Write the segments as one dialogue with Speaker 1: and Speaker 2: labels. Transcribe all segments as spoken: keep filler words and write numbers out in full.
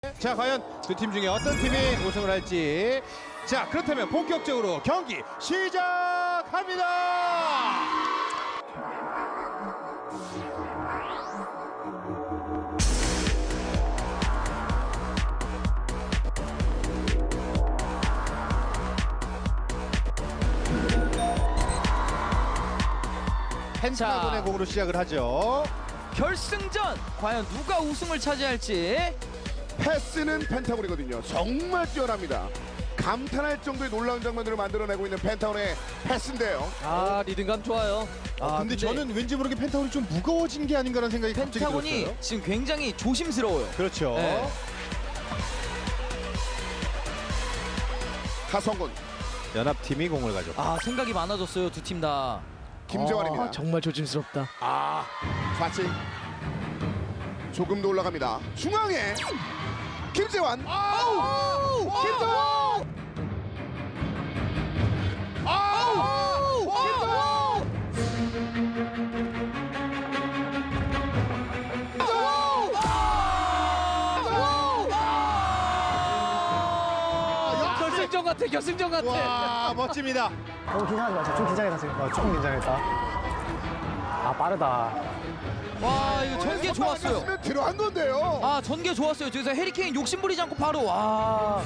Speaker 1: 자, 과연 두 팀 중에 어떤 팀이 우승을 할지. 자, 그렇다면 본격적으로 경기 시작합니다. 펜타곤의 공으로 시작을 하죠.
Speaker 2: 결승전 과연 누가 우승을 차지할지.
Speaker 3: 패스는 펜타곤이거든요. 정말 뛰어납니다. 감탄할 정도의 놀라운 장면들을 만들어내고 있는 펜타곤의 패스인데요.
Speaker 2: 아, 리듬감 좋아요.
Speaker 1: 아, 근데, 근데 저는 왠지 모르게 펜타곤이 좀 무거워진 게 아닌가라는 생각이 갑자기
Speaker 2: 펜타곤이
Speaker 1: 들었어요.
Speaker 2: 지금 굉장히 조심스러워요.
Speaker 1: 그렇죠.
Speaker 2: 네.
Speaker 3: 하성군,
Speaker 1: 연합팀이 공을 가져.
Speaker 2: 아, 생각이 많아졌어요, 두 팀 다.
Speaker 3: 김재환입니다.
Speaker 2: 아, 정말 조심스럽다.
Speaker 3: 아, 좌측 조금 더 올라갑니다. 중앙에 김재환. 아우! 김재환! 아우! 김재환!
Speaker 2: 결승전 같아, 결승전 같아.
Speaker 1: 와, 멋집니다.
Speaker 4: 너무 긴장하지 마세요. 좀 긴장했다 지금. 어, 조금 긴장했다. 아 빠르다.
Speaker 2: 와, 이거 전개 좋았어요.
Speaker 3: 아니었으면 들어간 건데요.
Speaker 2: 아, 전개 좋았어요. 저기서 해리케인 욕심 부리지 않고 바로 와.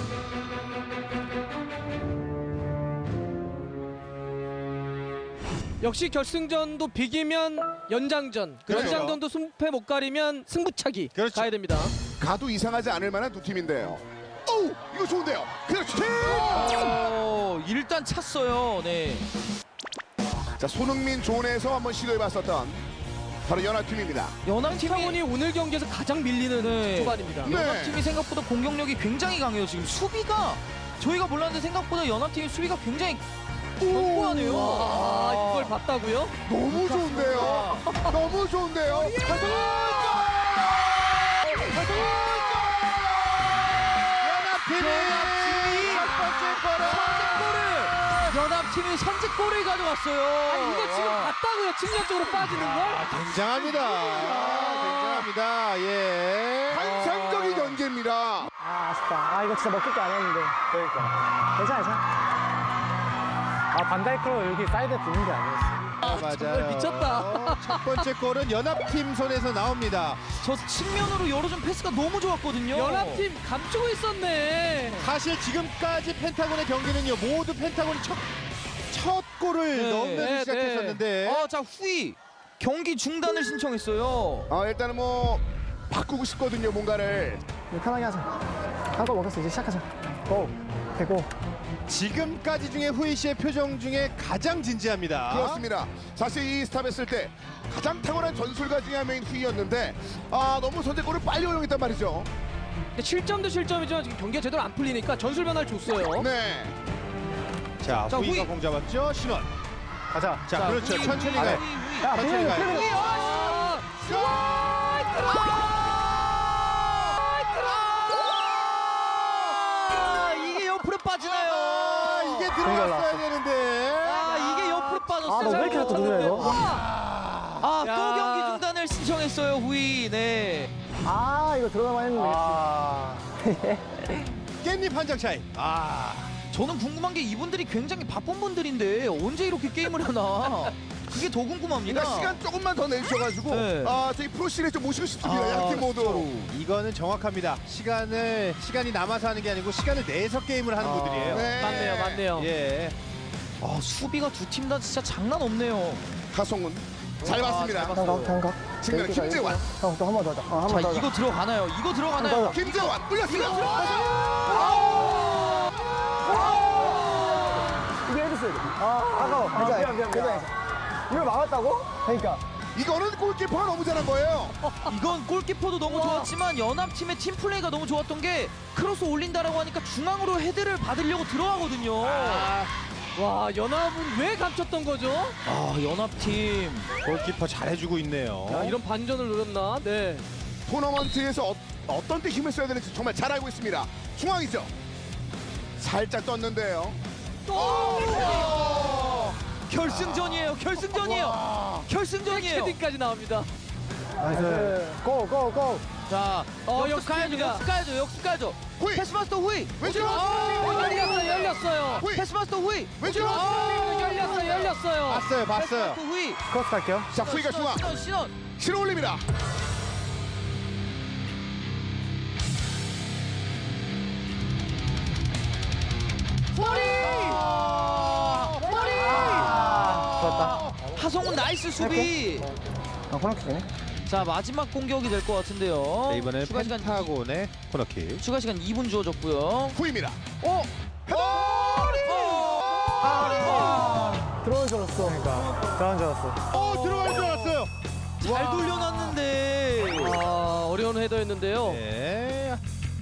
Speaker 5: 역시 결승전도 비기면 연장전,
Speaker 1: 그렇죠.
Speaker 5: 연장전도 승패 못 가리면 승부차기
Speaker 1: 그렇죠.
Speaker 5: 가야 됩니다.
Speaker 3: 가도 이상하지 않을 만한 두 팀인데요. 오, 이거 좋은데요. 그렇지.
Speaker 2: 어, 일단 찼어요. 네.
Speaker 3: 자, 손흥민 존에서 한번 시도해봤었던 바로 연합팀입니다.
Speaker 2: 연합팀이
Speaker 5: 펜타곤이 오늘 경기에서 가장 밀리는
Speaker 2: 네.
Speaker 5: 초반입니다.
Speaker 3: 네.
Speaker 2: 연합팀이 생각보다 공격력이 굉장히 강해요. 지금 수비가 저희가 몰랐는데 생각보다 연합팀이 수비가 굉장히 견고하네요.
Speaker 5: 아, 이걸 봤다고요?
Speaker 3: 너무 좋은데요. 너무 좋은데요. 하성군! 하성군!
Speaker 1: 연합팀이 첫 번째 골을
Speaker 2: 선제골을 연합팀이 선제골을 가져갔어요.
Speaker 5: 아니, 이거 지금 봤다고요? 측면적으로 빠지는 걸?
Speaker 1: 아, 굉장합니다. 아, 굉장합니다. 예.
Speaker 3: 환상적인 연계입니다.
Speaker 4: 아 아쉽다. 아 이거 진짜 먹을 게 아니었는데. 그러니까. 괜찮아 괜찮아. 아 반다이크로 여기 사이드에 붙는 게 아니었어.
Speaker 1: 아, 맞아요.
Speaker 5: 정말 미쳤다.
Speaker 1: 첫 번째 골은 연합팀 손에서 나옵니다.
Speaker 2: 저 측면으로 열어준 패스가 너무 좋았거든요.
Speaker 5: 연합팀 감추고 있었네.
Speaker 1: 사실 지금까지 펜타곤의 경기는요, 모두 펜타곤이 첫, 첫 골을
Speaker 2: 네,
Speaker 1: 넣으면서
Speaker 5: 네,
Speaker 1: 시작했었는데.
Speaker 2: 아, 자, 후이 경기 중단을 신청했어요.
Speaker 3: 아, 일단은 뭐 바꾸고 싶거든요, 뭔가를.
Speaker 4: 이거 편하게 하자. 한 골 먹었어. 이제 시작하자. 고. 되고.
Speaker 1: 지금까지 중에 후이 씨의 표정 중에 가장 진지합니다.
Speaker 3: 그렇습니다. 사실 이 스탑 했을 때 가장 탁월한 전술가 중에 한 명인 후이였는데 아, 너무 선제골을 빨리 허용했단 말이죠.
Speaker 5: 근데 실점도 실점이지만 지금 경기가 제대로 안 풀리니까 전술 변화를 줬어요.
Speaker 3: 네.
Speaker 1: 자,
Speaker 2: 자,
Speaker 1: 후이가
Speaker 2: 후이.
Speaker 1: 공 잡았죠. 신원.
Speaker 4: 가자.
Speaker 1: 자,
Speaker 2: 자,
Speaker 1: 그렇죠.
Speaker 2: 후이,
Speaker 1: 천천히
Speaker 2: 후이,
Speaker 1: 가요.
Speaker 2: 후이, 후이.
Speaker 4: 야
Speaker 1: 천천히
Speaker 4: 필름
Speaker 1: 가요.
Speaker 4: 필름.
Speaker 5: 아,
Speaker 2: 아, 이게 옆으로 빠지나요?
Speaker 1: 아, 이게 들어갔어야
Speaker 4: 올라왔어.
Speaker 1: 되는데.
Speaker 2: 아, 이게 옆으로 빠졌어요.
Speaker 4: 아 너 왜 이렇게 자꾸 누르냐 이거?
Speaker 2: 아, 또
Speaker 5: 야.
Speaker 2: 경기 중단을 신청했어요, 후이. 네.
Speaker 4: 아 이거 들어가만 했는데. 아.
Speaker 1: 깻잎 한 장 차이. 아,
Speaker 2: 저는 궁금한 게 이분들이 굉장히 바쁜 분들인데 언제 이렇게 게임을 하나? 그게 더 궁금합니다.
Speaker 3: 그러니까 시간 조금만 더 내주셔가지고
Speaker 2: 네.
Speaker 3: 아, 저희 프로시리즈 좀 모시고 싶습니다.
Speaker 1: 아,
Speaker 3: 양팀 모두.
Speaker 1: 이거는 정확합니다. 시간을 시간이 남아서 하는 게 아니고 시간을 내서 게임을 하는
Speaker 4: 아,
Speaker 1: 분들이에요.
Speaker 3: 네.
Speaker 5: 맞네요, 맞네요.
Speaker 1: 예.
Speaker 2: 아, 수비가 두 팀 다 진짜 장난 없네요.
Speaker 3: 하성훈 잘
Speaker 2: 아,
Speaker 3: 봤습니다.
Speaker 2: 잘 봤어요.
Speaker 4: 한각 한각.
Speaker 3: 측면에 김재환.
Speaker 4: 형또 한 번 더 하자. 어, 한
Speaker 2: 자,
Speaker 4: 번 더 하자.
Speaker 2: 이거 들어가나요? 이거 들어가나요?
Speaker 3: 김재환 올렸습니다.
Speaker 4: 이거 해줬어야 돼. 아 아까워. 괜찮아 괜찮아 괜찮아. 이걸 막았다고? 그러니까.
Speaker 3: 이거는 골키퍼가 너무 잘한 거예요.
Speaker 2: 이건 골키퍼도 너무 좋았지만 연합팀의 팀 플레이가 너무 좋았던 게 크로스 올린다라고 하니까 중앙으로 헤드를 받으려고 들어가거든요.
Speaker 1: 아,
Speaker 5: 와, 연합은 왜 감췄던 거죠?
Speaker 2: 아, 연합팀.
Speaker 1: 골키퍼 잘해주고 있네요.
Speaker 5: 야, 이런 반전을 노렸나? 네.
Speaker 3: 토너먼트에서 어, 어떤 때 힘을 써야 되는지 정말 잘 알고 있습니다. 중앙이죠. 살짝 떴는데요.
Speaker 2: 결승전이에요. 결승전이에요. 결승전이에요.
Speaker 5: 캐딩까지 나옵니다.
Speaker 4: 나이스. 고, 고, 고.
Speaker 2: 자,
Speaker 5: 어,
Speaker 2: 역습
Speaker 5: 역습
Speaker 2: 가야죠,
Speaker 5: 갑니다.
Speaker 2: 역습 가야죠, 역습 가야죠.
Speaker 3: 후이!
Speaker 2: 패스마스터 후이.
Speaker 3: 왼쪽!
Speaker 5: 어, 열렸어요, 열렸어요.
Speaker 3: 후이!
Speaker 2: 패스마스터 후이.
Speaker 3: 왼쪽!
Speaker 5: 어, 열렸어요, 열렸어요.
Speaker 1: 봤어요, 봤어요.
Speaker 2: 패스마스터 후이.
Speaker 4: 크로스 갈게요.
Speaker 3: 자, 후이가 중앙.
Speaker 2: 신원, 신원.
Speaker 3: 실어 올립니다.
Speaker 4: 아, 좋았다.
Speaker 2: 하성훈 나이스 수비.
Speaker 4: 아, 코너킥이네.
Speaker 2: 자, 마지막 공격이 될 것 같은데요.
Speaker 1: 네, 이번에
Speaker 2: 추가 시간
Speaker 1: 펜타곤의 코너킥.
Speaker 2: 추가 시간 이 분 주어졌고요.
Speaker 3: 후이입니다.
Speaker 2: 어?
Speaker 4: 들어온 줄 알았어. 그러니까. 들어온 줄 알았어.
Speaker 1: 어, 들어갈 줄 알았어요.
Speaker 2: 잘 돌려놨는데.
Speaker 5: 아, 어려운 헤더였는데요.
Speaker 1: 네.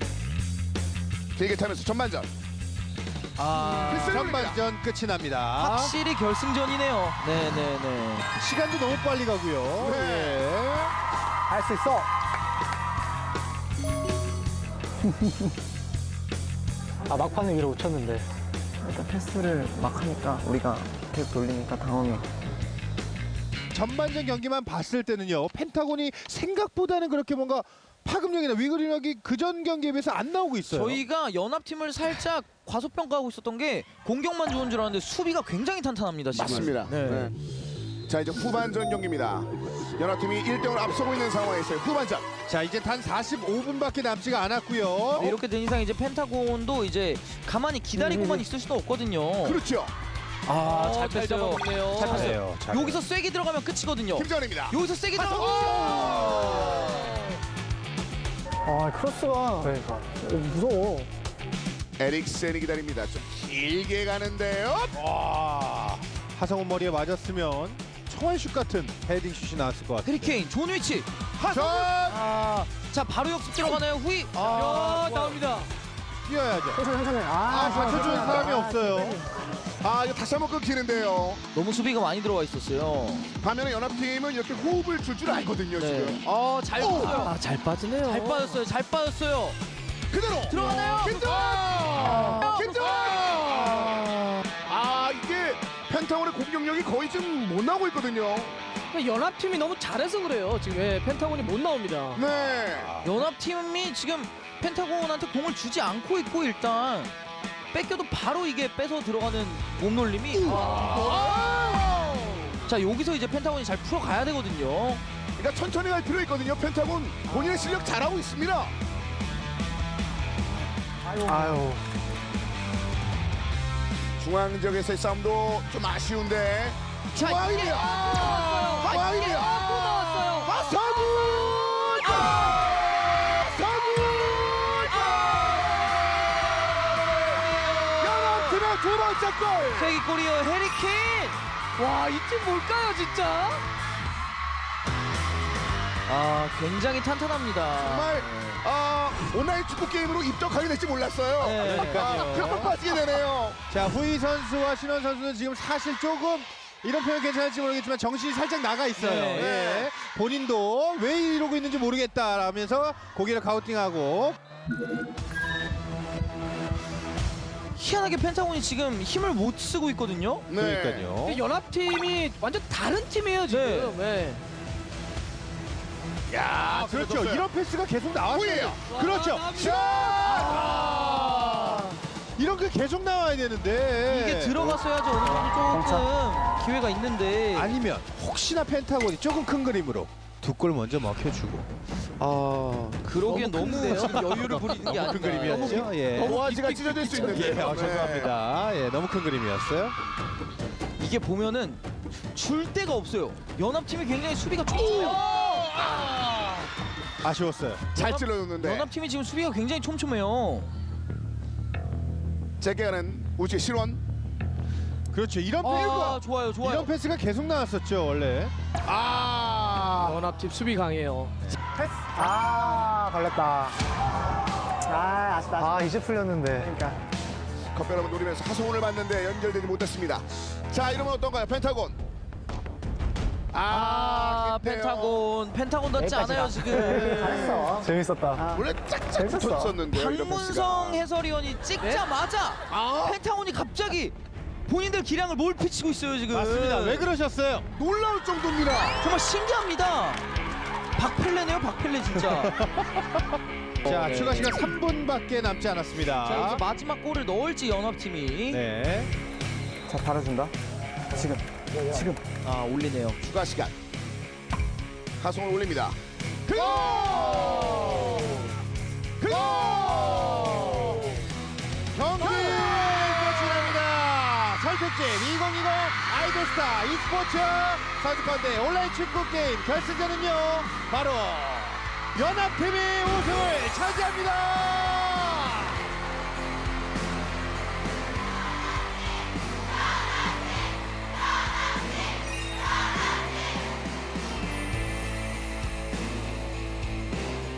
Speaker 3: 길게 차면서 전반전.
Speaker 2: 아,
Speaker 3: 패스를 올립니다.
Speaker 1: 전반전 끝이 납니다.
Speaker 2: 확실히 결승전이네요. 네네네.
Speaker 1: 시간도 너무 빨리 가고요.
Speaker 3: 네.
Speaker 1: 예.
Speaker 4: 할 수 있어. 아, 막판에 위로 쳤는데.
Speaker 6: 일단 패스를 막 하니까 우리가 계속 돌리니까 당황해.
Speaker 1: 전반전 경기만 봤을 때는요, 펜타곤이 생각보다는 그렇게 뭔가 파급력이나 위그력이 그전 경기에 비해서 안 나오고 있어요.
Speaker 2: 저희가 연합팀을 살짝 과소평가하고 있었던 게 공격만 좋은 줄 알았는데 수비가 굉장히 탄탄합니다. 지금.
Speaker 3: 맞습니다.
Speaker 2: 네.
Speaker 3: 네. 자, 이제 후반전 경기입니다. 연합팀이 일 대 영으로 앞서고 있는 상황에서의 후반전.
Speaker 1: 자, 이제 단 사십오 분밖에 남지가 않았고요.
Speaker 2: 네, 이렇게 된 이상 이제 펜타곤도 이제 가만히 기다리고만 있을 수도 없거든요.
Speaker 3: 그렇죠.
Speaker 2: 아,
Speaker 5: 어,
Speaker 2: 잘
Speaker 5: 잘
Speaker 2: 뺐어요.
Speaker 5: 잡아먹네요.
Speaker 2: 잘 뺐어요.
Speaker 1: 잘해요, 잘해요.
Speaker 2: 여기서 쐐기 들어가면 끝이거든요.
Speaker 3: 김정은입니다.
Speaker 2: 여기서 쐐기 들어가면
Speaker 4: 아, 크로스가. 그러니까. 어, 무서워.
Speaker 3: 에릭센이 기다립니다. 좀 길게 가는데요.
Speaker 1: 와, 하성훈 머리에 맞았으면 청원슛 같은 헤딩 슛이 나왔을 것 같아요.
Speaker 2: 해리케인 좋은 위치.
Speaker 3: 전
Speaker 1: 아,
Speaker 2: 자, 바로 역습 들어가나요? 후이.
Speaker 1: 아,
Speaker 5: 야, 나옵니다.
Speaker 1: 뛰어야죠.
Speaker 4: 천천히, 천천히. 아,
Speaker 1: 아, 받쳐주는 사람이 없어요.
Speaker 3: 아, 이거 다시 한번 끊기는데요.
Speaker 2: 너무 수비가 많이 들어와 있었어요.
Speaker 3: 반면에 연합팀은 이렇게 호흡을 줄 줄 알거든요,
Speaker 2: 네.
Speaker 3: 지금.
Speaker 2: 어, 잘 빠졌어요.
Speaker 5: 아, 잘 빠지네요.
Speaker 2: 잘 빠졌어요. 잘 빠졌어요.
Speaker 3: 그대로
Speaker 2: 들어가나요?
Speaker 3: 김정은! 김정은! 아, 이게 펜타곤의 공격력이 거의 좀 못 나오고 있거든요.
Speaker 5: 연합팀이 너무 잘해서 그래요. 지금 예, 펜타곤이 못 나옵니다.
Speaker 3: 네.
Speaker 2: 연합팀이 지금 펜타곤한테 공을 주지 않고 있고 일단 뺏겨도 바로 이게 뺏어 들어가는 몸놀림이 아. 자, 여기서 이제 펜타곤이 잘 풀어가야 되거든요.
Speaker 3: 그러니까 천천히 갈 필요 있거든요. 펜타곤 본인의 실력 잘하고 있습니다.
Speaker 4: 아유.
Speaker 3: 중앙 지역에서의 싸움도 좀 아쉬운데.
Speaker 2: 자, 이게
Speaker 3: 중앙이에요.
Speaker 2: 아, 이게
Speaker 3: 중앙이에요.
Speaker 2: 아, 또 나왔어요.
Speaker 3: 아, 서구! 서구! 연합팀의 두 번째 골!
Speaker 2: 세기골이요. 해리케인.
Speaker 5: 와, 이 팀 뭘까요, 진짜?
Speaker 2: 아, 굉장히 탄탄합니다.
Speaker 3: 정말 아, 온라인 축구 게임으로 입덕하게 될지 몰랐어요.
Speaker 2: 네.
Speaker 3: 아, 펴 빠지게 되네요.
Speaker 1: 자, 후이 선수와 신원 선수는 지금 사실 조금 이런 표현 괜찮을지 모르겠지만 정신이 살짝 나가 있어요.
Speaker 2: 네.
Speaker 1: 예. 본인도 왜 이러고 있는지 모르겠다라면서 고개를 가우팅하고.
Speaker 2: 희한하게 펜타곤이 지금 힘을 못 쓰고 있거든요.
Speaker 3: 네.
Speaker 1: 그러니까요.
Speaker 5: 근데 연합팀이 완전 다른 팀이에요, 지금. 네.
Speaker 3: 야,
Speaker 1: 아, 그렇죠. 이런 패스가 계속 나왔어요.
Speaker 3: 후이에요.
Speaker 1: 그렇죠.
Speaker 5: 와,
Speaker 1: 슛! 아, 이런 게 계속 나와야 되는데.
Speaker 2: 이게 들어갔어야지 어느 정도 조금 기회가 있는데
Speaker 1: 아니면 혹시나 펜타곤이 조금 큰 그림으로 두 골 먼저 먹혀주고. 아,
Speaker 2: 그러기엔
Speaker 5: 너무
Speaker 2: 너무,
Speaker 5: 큰데요?
Speaker 2: 지금 여유를 부리는 게
Speaker 1: 큰
Speaker 2: 아닌가.
Speaker 1: 그림이었죠. 예.
Speaker 3: 오아지가 찢어질 수 있는데.
Speaker 1: 예, 어, 죄송합니다. 예, 너무 큰 그림이었어요.
Speaker 2: 이게 보면은 줄 데가 없어요. 연합팀이 굉장히 수비가 촘촘해요.
Speaker 1: 아쉬웠어요.
Speaker 3: 잘
Speaker 2: 연합-
Speaker 3: 찔러줬는데.
Speaker 2: 연합팀이 지금 수비가 굉장히 촘촘해요.
Speaker 3: 짧게 가는 우지 실원.
Speaker 1: 그렇죠. 이런
Speaker 2: 아,
Speaker 1: 패스가
Speaker 2: 좋아요, 좋아요.
Speaker 1: 이런 패스가 계속 나왔었죠, 원래.
Speaker 3: 아,
Speaker 5: 연합팀 수비 강해요.
Speaker 4: 패스. 아, 걸렸다. 아, 아쉽다. 아, 이제 풀렸는데. 그러니까.
Speaker 3: 컵별 한번 노리면서 하성훈을 봤는데 연결되지 못했습니다. 자, 이러면 어떤가요? 펜타곤.
Speaker 2: 아,
Speaker 3: 아, 깊네요.
Speaker 2: 펜타곤. 펜타곤답지 않아요, 지금.
Speaker 4: 잘했어. 재밌었다.
Speaker 3: 원래 짝짝
Speaker 4: 재밌었어.
Speaker 3: 붙었었는데.
Speaker 2: 박문성 해설위원이 찍자마자
Speaker 3: 아,
Speaker 2: 펜타곤이 갑자기 본인들 기량을 몰피치고 있어요, 지금.
Speaker 1: 맞습니다. 왜 그러셨어요?
Speaker 3: 놀라울 정도입니다.
Speaker 2: 정말 신기합니다. 박펠레네요, 박펠레 진짜.
Speaker 1: 자,
Speaker 2: 네.
Speaker 1: 추가 시간 삼 분밖에 남지 않았습니다.
Speaker 2: 자, 여기서 마지막 골을 넣을지 연합팀이.
Speaker 1: 네.
Speaker 6: 자, 달아준다. 지금, 지금.
Speaker 2: 아, 올리네요.
Speaker 3: 추가 시간. 하성을 올립니다.
Speaker 1: 그 골! 그 골! 경기 끝이 납니다. 선택진 이천이십 아이돌스타 e스포츠 선수권대 온라인 축구 게임 결승전은요 바로 연합팀이 우승을 차지합니다.